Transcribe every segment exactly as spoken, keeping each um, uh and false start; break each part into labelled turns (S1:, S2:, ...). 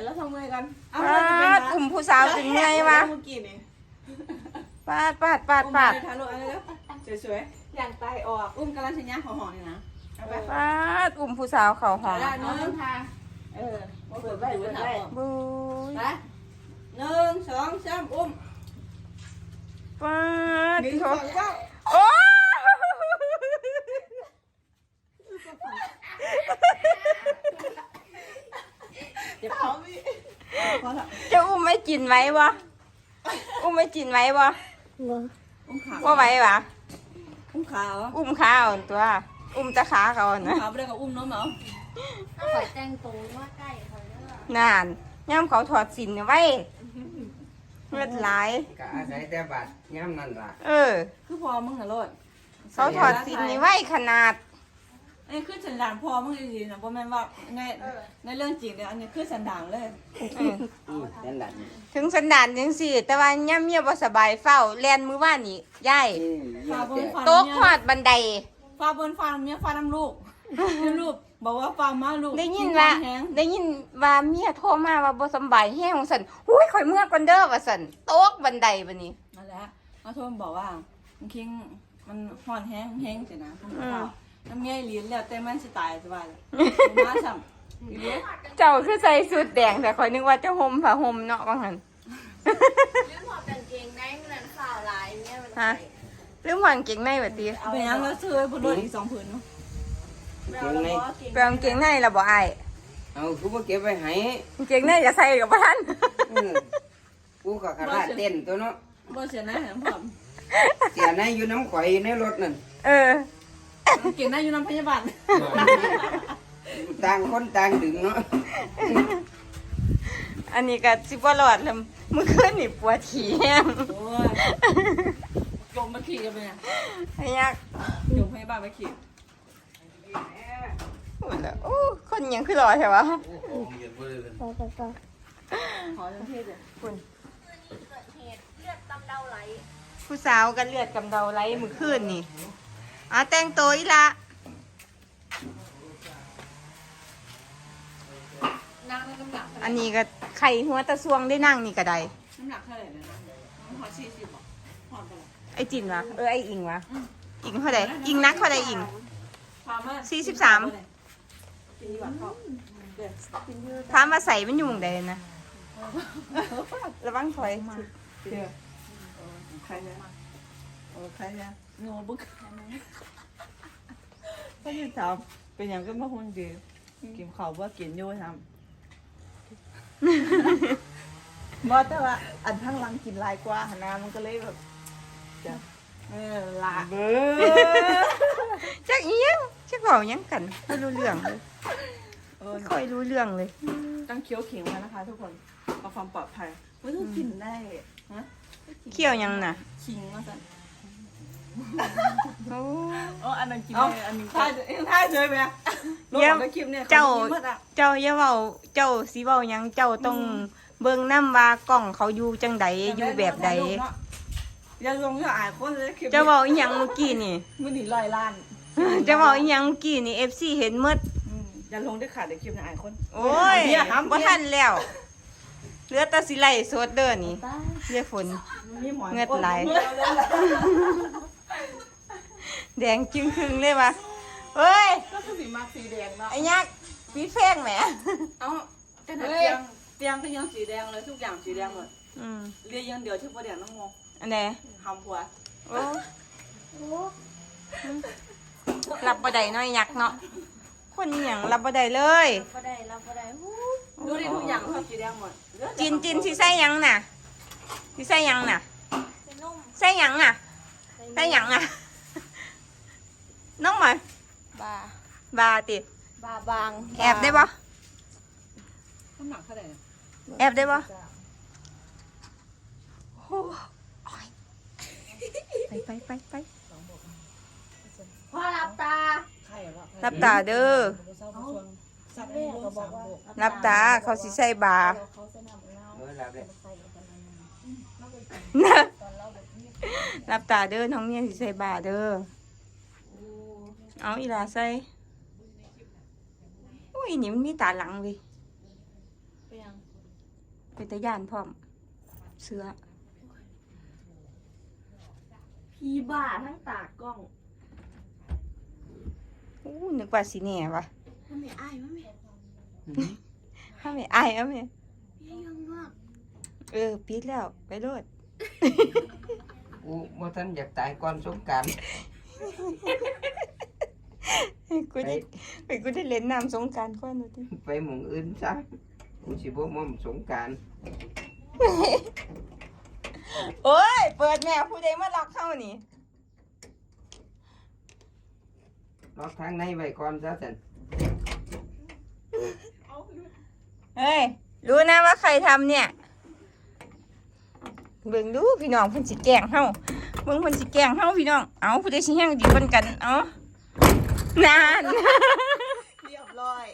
S1: แล้วทำไงกันเอา
S2: ปาดกลุ่มผู้สาวถึงไงวะ
S1: เมื่อกี้นี่
S2: ปาดปาดปาดปาด
S1: ถ่ายรูปอะไรแล้วสวยๆอย่างตายออกอุ้มกำลังชัญญาห่อๆนี่นะเอาไป
S2: ปาดกลุ่มผู้สาวเขาหอม
S1: ได้เนาะเออเปิดไว้เปิดไว้
S2: บุย
S1: ไปหนึ่งสองสามอุ้ม
S2: ปาด
S1: หนึ่ง
S2: โถ
S1: สองสาม
S2: โอ้
S1: เดี๋ยวเขาไม่พอละ
S2: จะอุ้มไม่กินไว้วะอุ้มไม่กินไว้วะ
S1: อุ้มขา
S2: ว่าไว้วะ
S1: อุ้มขาเหรอ
S2: อุ้มขาอ่อนตัว อุ้มตะขาเขาอ่อน
S1: อุ้ม
S2: นะ
S1: ขาไม่ได้กับอุ้มน้องเหรอ
S3: ข่อยแต่งตัวว่าใกล้ข่อยเด้อน
S2: านย่ำเขาถอดสินไว้เลือดไหลาย
S4: ก็อาศัยแต่บัตรย่ำนั่นล่ะ
S2: เออ
S1: คือพอมึงนะโลด
S2: เขาถอดสินนี่ไว้ขนาด
S1: อันนี้คือสันดานพอมึงดีๆนะเพราะแม่นว่าในในเรื่องจริงเนี่ยอันนี้คือสันดานเลย
S2: เออ
S4: อืมนั่นแหละ
S2: ถึงสันดานจังสี่ แต่ว่าย่ำเมียบ่สบายเฝ้าแลนมือว่านี่ย่าย
S4: นี่
S1: ฟ้าบนฟ้า
S2: โต๊ะขอดบันได
S1: ฟ้าบนฟ้าเมียฟ้าน้ำลูกลูกบอกว่าฟ้ามาลูก
S2: ได้ยินว่า
S1: แห้ง
S2: ได้ยินว่าเมียโทรมาว่าบ่สำบายแห้งของสันหุ้ยข่อยเมื่อก่อนเด้อว่าสันโต๊ะบันไดบัดนี้
S1: นั่นแหละมาโทรมาบอกว่ามันคิงมันห่อนแห้งแห้งสินะคุณพ่อน้ำเมียลิ้นแล้วแต่มันสิตายสบายเลยมาซ้ำอีเลี้ย
S2: เจ้าคือใส่ชุดแดงแต่ข่อยนึกว่าจะห่มผ้าห่มเนาะว่างั้น
S3: ลืมถอดกางเกงในเมื่อนั้นข่าวหลายเนี่ยมัน
S2: ฮะลืมหวานเก่งในบัดนี้
S1: เป็นยังแล้วซื้อให้บุญรถอีกสองผืนเนาะ
S4: เก่งใน
S2: ไปเอากางเก่งในแล้วบ่อ้าย
S4: เอากูมาเก็บไว้ให้
S2: กางเก่งในจะใส่กับบ่ทัน
S4: อืมกูก็ขนาดเต้นตัวเนาะ
S1: บ่เสียนะแหมผม
S4: เสียในอยู่น้ำข่อยอยู่ในรถนั่น
S2: เออ
S1: เก่งได้อยู่น้ำพยาบาล
S4: ต่างคนต่างดึงเนาะ
S2: อันนี้ก็สิบ่รอดแล้วเมื่อคืนนี่ปวดขี้แห้ง
S1: โอ้ยจมมาขี่กันไปเนี่ย
S2: ไอ้ยัก
S1: จมพยาบาลมาขี่
S2: พูดแล้วโอ้คนยังคือรอใช่ปะ
S3: ไปไปไป
S1: ขอจังเทศเลย
S2: คุณ
S3: เกิดเหตุเลือดกำเดาไหล
S2: ผู้สาวกันเลือดกำเดาไหลมือคืนนี่อ่ะแต่งตัวอีละ
S1: นั่งในน้ำหนัก
S2: อันนี้ก็ไข่หัวตะซวงได้นั่งนี่ก็ได้
S1: น้ำหนักเท่าไหร่นะน้องขอสี่สิบอ่ะหอดไปละ
S2: ไอจินวะเออไออิงวะอิงเท่าไดอิงนักเท่าไดอิง
S1: พามา
S2: สี่สิบสาม
S1: กินดีกว่าเขาเดี๋ยว
S2: ถามว่าใส่มันอยู่หมองใดนะระวังถอย
S1: เดี๋ยวใครเนี่ยโอ้ใครเนี่ยโง่บึกก็ยังถามเป็นอย่างก็มาหุ่นดีกินข้าวว่ากินอยู่ทำบอแต่ว่าอันข้างหลังกินลายกว่าหนามันก็เลยแบบจะเออลา
S2: เบ้อจักเอียงจักเว้าหยังกันไม่รู้เรื่องเลย
S1: เออ
S2: ไม่ค่อยรู้เรื่องเลย
S1: ต้องเคี้ยวขิงมานะคะทุกคนเพื่อความปลอดภัยไม่ต้องกินได้ฮะ
S2: เขี้ยวหยังน่ะ
S1: ขิงมาสั่น
S2: โอ้
S1: อ๋ออันนั้นกินได้อันนี้ท่าท่าเฉยไหมลงออกในคลิปเนี่ย
S2: เจ้า
S1: เมื่ออะ
S2: เจ้าอย่าเว้าเจ้าสิเว้าหยังเจ้าต้องเบิ่งนำว่ากล้องเขาอยู่จังใดอยู่แบบใด
S1: อย่าลงอย่าอายคนเลยคลิป
S2: เจ้าเว้าอีหยังเมื่อกี้นี่
S1: มือหนีลอยล้าน
S2: เจ้าเว้าอีหยังเมื่อกี้นี่ เอฟ ซี เห็นหมด
S1: อืมอย่าลงได้ขาดในคลิปนะอายคน
S2: โอ้ย
S1: เบียร์ห้าม
S2: บ่
S1: เบีย
S2: ทั
S1: ร์
S2: นแล้วเหลือแต่สิไล่สดเด้อนี่เรียกฝน
S1: มีหมอน
S2: เงือดไหล
S1: โอ้ยเงือดไหล
S2: แดงจึงครึ่งเลยว่ะเฮ้ย
S1: ก็คือสีมาสีแดงเนาะ
S2: ไอ้ยักษ์ปีแพงแหม
S1: เอ้าแต่หนักเตียงเตียงก็ยังสีแดงเลยทุกอย่างสีแดงหมด
S2: อืม
S1: เรียกยังเดียวที่ประเดี๋ยวน้องงง
S2: อันใด
S1: ทำผัว
S2: โอ้รับบ่ได้น้อยยักษ์เนาะคนอหยังรับบ่ได้เลย
S3: ก็ได้เราก็ได้ฮู้
S1: ดูดิทุกอย่างชอบสีแดงหมด
S2: จินจินสิใส่หยังน่ะสิใส่หยังน่ะ
S3: เป็นนุ่ม
S2: ใส่หยังอ่ะใส่หยังอ่ะน้องหมอย
S3: บา
S2: บาติ
S3: บาบาง
S2: แอบได้บ่
S1: น้ำหนักเท่าไหร่เนี่ย
S2: แอบได้บ่โอ้ยไปไปไปไป
S3: พ่อรับตา
S1: ใครวะ
S2: รับตาเด้อ
S1: สับแม่ก็บอกว่า
S2: รับตาเขาสิใส่บา
S3: เขาสนับเรา
S4: เออรับเลย
S3: ใส่กันนั้น
S2: รับตาเด้อน้องเมียสิใส่บาเด้อเอาอีหลาใส่โอ้ยนี่มันมีตาหลังเลย
S3: ไปยัง
S2: เป็นตะย่านพร้อมเสือ
S3: พีบ้าทั้งตากล้อง
S2: อู้นึกว่าสิแน่วะ
S3: ทำไมอายมั้ยแม่
S2: ถ้าไม่อายเอาแม่
S3: พี่ยังมาก
S2: เออปิดแล้วไปโลด
S4: กูบ่ทันอยากตายก่อนสงกรานต์
S2: กูได้ไปกูได้เล่นน้ำสงกรานต์ก่อนดูดิ
S4: ไปหมู่อื่นซะกูสิบ่ม่อมสงกรานต์
S2: โอ้ยเปิดแม่ผู้ใดมาล็อกเข้านี่
S4: ล็อกทางในไว้ก่อนซะซั่น
S2: เฮ้ยรู้นะว่าใครทำเนี่ยเบิ่งดูพี่น้องเพิ่นสิแกล้งเฮาเบิ่งเพิ่นสิแกล้งเฮาพี่น้องเอาผู้ใดสิแฮงดีกว่ากันเอานาน
S1: เรียบร้อย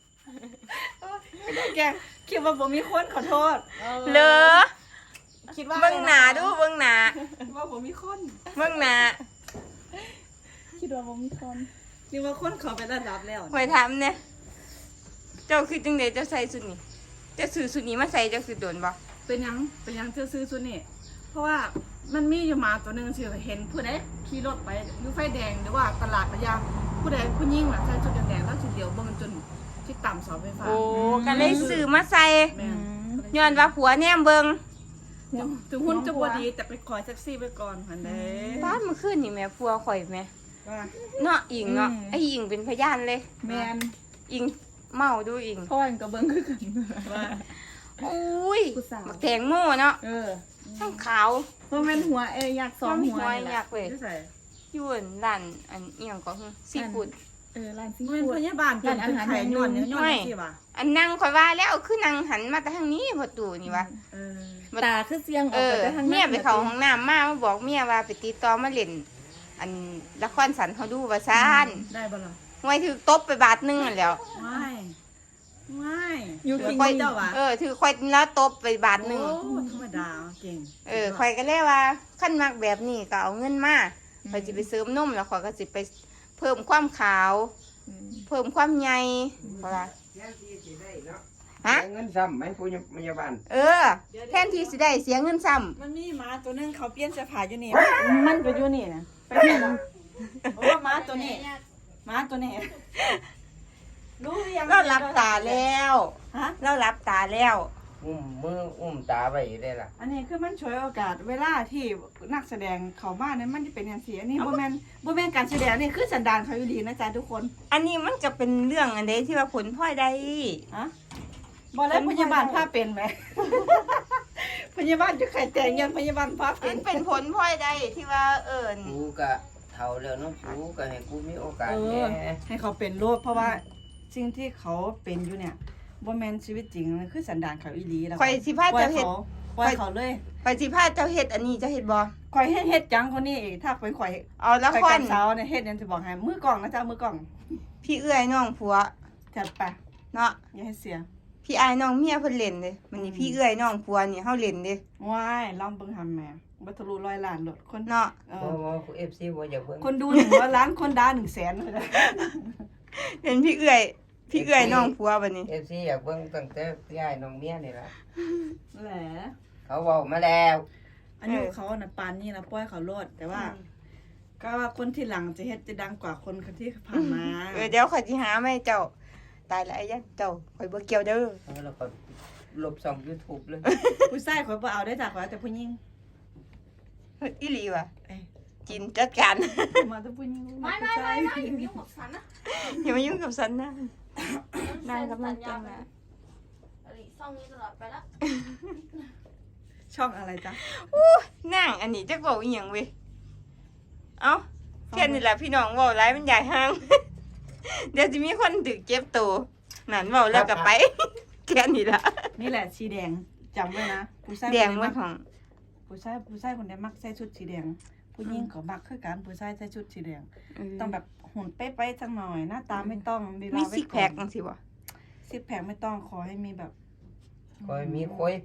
S1: แกคิดว่าผมมีคนขอโทษ
S2: เหลอ
S1: คิดว่า
S2: เบิ่งหน้าดูเบิ่งหน้า
S1: คิดว่าผมมีคน
S2: เบิ่งหน้า
S1: คิดว่าผมมีคนคิดว่าคนเขาเป็นระดับแล้ว
S2: คอยถามเนี่ยเจ้าคือจังได๋เจ้าใส่สุดนี้เจ้าซื้อสุดนี้มาใส่เจ้าคือโดนบ่
S1: เป็นยังเป็นยังเธอซื้อชุดนี่เพราะว่ามันมีอยู่หมาตัวหนึงสิเห็นผู้ใดขี่รถไปอยู่ไฟแดงหรือว่าตลาดระยางผู้ใดผู้หญิงน่ะใส่ชุดแดงๆแล้วชุดเดียวเบิ่งจนที่ต่ำเสาไฟฟ้า
S2: โอ้ก็เลยซื้อมาใส่
S1: แม่น
S2: ย้อนว่าผัวแนมเบิ่ง
S1: ถึงถึงหุ้นจะบ่ดีแต่ไปขอแท็กซี่ไปก่อนหั่นเด้
S2: บ้านเมื่อคืนนี่แม่ผัวข่อยแม่
S1: ว่า
S2: เนาะอิงเนาะ
S1: อืม
S2: ไอ้อิงเป็นพยานเลย
S1: แมน
S2: อิงเมาดูอิง
S1: พ่อก็เบิ่งคือกันว่า
S2: อุ้ย
S1: ผู้สาว
S2: บักแตงโมเนาะ
S1: เออ
S2: ทั้งขาว
S1: เพราะแม่นหัวเอ้ยอยากสองหัว
S2: หัวอยากเว้ย
S1: ที่ใส่
S2: อยวนร้านอันเอียงก็คือซีฟู้ด
S3: เออร้านซี
S1: เป็น
S3: ฟู้ด
S1: พยาบาลจนเป็นไข่นวดเนี่ยนวดสิว่ะ
S2: อันนั่งข่อยว่าแล้วคือนั่งหันมาแต่ทางนี้พอตู่นี่วะ
S1: เออ
S3: ตาคือเสียงอ
S2: เอ
S3: อก
S2: อ
S3: ไปทาง
S2: เมียไปเข้าห้องน้ำมามาบอกเมียว่าไปติดต่อมาเล่นอันละครสันเขาดูว่าซ่าน
S1: ได้บ่ล่ะ
S2: ไว้ถือตบไปบาทหนึงนั่นแหล้ว
S1: ไม่ไม่
S3: อยู่
S1: กิ
S3: กิ
S1: น
S3: น
S1: ค่อยเจ้าว่ะ
S2: เออถือข่อยแล้วตบไปบาทหนึง
S1: โอ้ธรรมดาเก่ง
S2: เออข่อยก็เลยว่าขั้นมักแบบนี้ก็เอาเงินมาข่อยสิไปเสริมนมแล้วข่อยก็สิไปเพิ่มความขาว เพิ่มความใหญ่เพราะว่า
S4: แทนที่สิได้เนาะ
S2: ฮะ
S4: เสียเงินซ้ำไหมผู้พยาบาล
S2: เออ แทนที่สิได้เสียเงินซ้
S1: มันมีหมาตัวนึงเขาเปลี่ยนเสื้อผ้าอยู่นี่มันก็อยู่นี่นะไปเห็นบ่โอ้หมาตัวนี้หมาตัวนี้รู้หรือยัง
S2: ำเราหลับตาแล้ว
S1: ฮะ
S2: เราหลับตาแล้ว
S4: อุ้มมืออุ้มตาไว้ได้ล่ะ
S1: อันนี้คือมันช่วยโอกาสเวลาที่นักแสดงเขามาเนี่ยมันจะเป็นอย่างเสียนี่บ่แม่นบ่แม่นการแสดงนี่คือสันดานเขาอยู่ดีนะจ๊ะทุกคน
S2: อันนี้มันก็เป็นเรื่องอันใดที่ว่าผลพลอยได้
S1: ฮะบ่แล้วพยาบาลพาเป็นไหม พยาบาลจะไข่แต่งยันพยาบาลพาเป็
S2: มัน นเป็นผลพลอยได้ที่ว่าเอิญ
S4: กูก็เฒ่าแล้วเนาะกูก็ให้กูมีโอกาส
S1: เอ
S4: แห
S1: อ
S4: น่
S1: ให้เขาเป็นโรคเพราะว่าสิ่งที่เขาเป็นอยู่เนี่ยบ่แม่นชีวิตจริงมันคือสันดานเขาอีหลีแล้ว
S2: ข่อยสิพา
S1: ปล่อย
S2: เจ้าเฮ็ด
S1: เขาปล่อยเขาเลย
S2: ข่อยสิพาเจ้าเฮ็ดอันนี้เจ้าเฮ็ดบ่
S1: ข่อยเฮ็ดเฮ็ดจังคนนี้อีกถ้าข่อยข่อย
S2: เอาละ
S1: ข่อย
S2: ค
S1: กั
S2: ร
S1: นเช้าเนี่ยเฮ็ดหยังจะบอกให้มือกล่องนะจ๊ะมือกล่อง
S2: พี่เอื้อยน้องผัว
S1: จัดไป
S2: เนาะ
S1: อย่าให้เสีย
S2: พี่อายน้องเมียเพิ่นเล่นเด้มันนี่พี่เอื้อยน้องผัวนี่เฮาเล่นเด้
S1: ว้ายลองเบิ่งหำแหม่บ่ทะลุร้อยล้านโลดคน
S2: เนาะ
S1: เอ
S4: บ่
S1: อ
S4: บ่ เอฟ ซี บ่อยากเบิ่ง
S1: คนดูหนึ่งร้อยล้านคนด่าหนึ่งแสนเลยนะ
S2: เล่นพี่เอื้อยพี่เอื้อยน้องผัวบัดนี้
S4: เอฟ ซี อยากเบิ่งตั้งแต่พี่อ้ายน้องเมียนี่ล่ะ
S1: แหละ
S4: เขาเว้ามาแล้ว
S1: อายุเขาน่ะปานนี้นะปล่อยเขาโลดแต่ว่า ก็ว่าคนที่หลังจะเฮ็ดจะดังกว่าคนที่ผ่านมา
S2: เออเดี๋ยวข่อยสิหามาให้เจ้าตายแล้วไอ้ยันเจ้าข่อยบ่เกี่ยวเด้อ
S4: แล้วก็ลบช่อง YouTube เลย
S1: ผู้ชายข่อยบ่เอาได้จ้ะข่อยเอาแต่ผู้หญิง
S2: เฮ้ยอีหลีว่ะ
S1: เอ้ย
S2: จินจัดการ
S1: มาแต่ผู้หญิง
S3: ไม่
S1: ผู้
S3: ไม่
S1: ชา
S3: ไม่
S1: ย
S3: ไม่อย่ามายุ่งกับฉันนะ
S2: อย่ามายุ่งกับฉันนะนายกำลังแต่งนะ
S3: อะไรซ่องนี้ตลอดไปละ
S1: ช่องอะไรจ๊ะ
S2: อู้นั่งอันนี้จักเว้าอีหยังเว้ยเอ้าแค่นี้แหละพี่น้องเว้าหลายมันใหญ่ห้าง เดี๋ยวสิมีคนถึกเจ็บตัวนั่นเว้าแล้วก็ไป แค่นี้ล่ะ
S1: นี่แหละสีแดงจำไว้นะผู้ชาย
S2: แดง
S1: คน
S2: มั
S1: ใด
S2: นของ
S1: ผู้ชายผู้ชายคนใดมักใส่ชุดสีแดง ผู้หญิงก็มักคือกันผู้ชายใส่ชุดสีแดง ต้องแบบหุ่นเป๊ะๆจังหน่อยหน้าตาไม่ต้องลีลา
S2: มี
S1: ไว้
S2: ซิก
S1: ก่
S2: แพ
S1: อ
S2: คน จังซี่บ่
S1: ซิกแพคไม่ต้องขอให้มีแบบ
S4: คอยมีคุย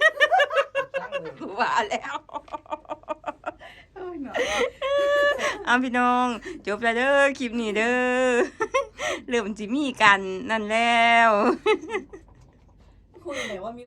S2: ว่าแล้ว
S1: เอ้ยเนาะ
S2: เอาพี่น้องจบแล้วเด้อคลิปนี้เด้อ เริ่มสิมีกันนั่นแล้ว
S1: คุยไหนว่ามี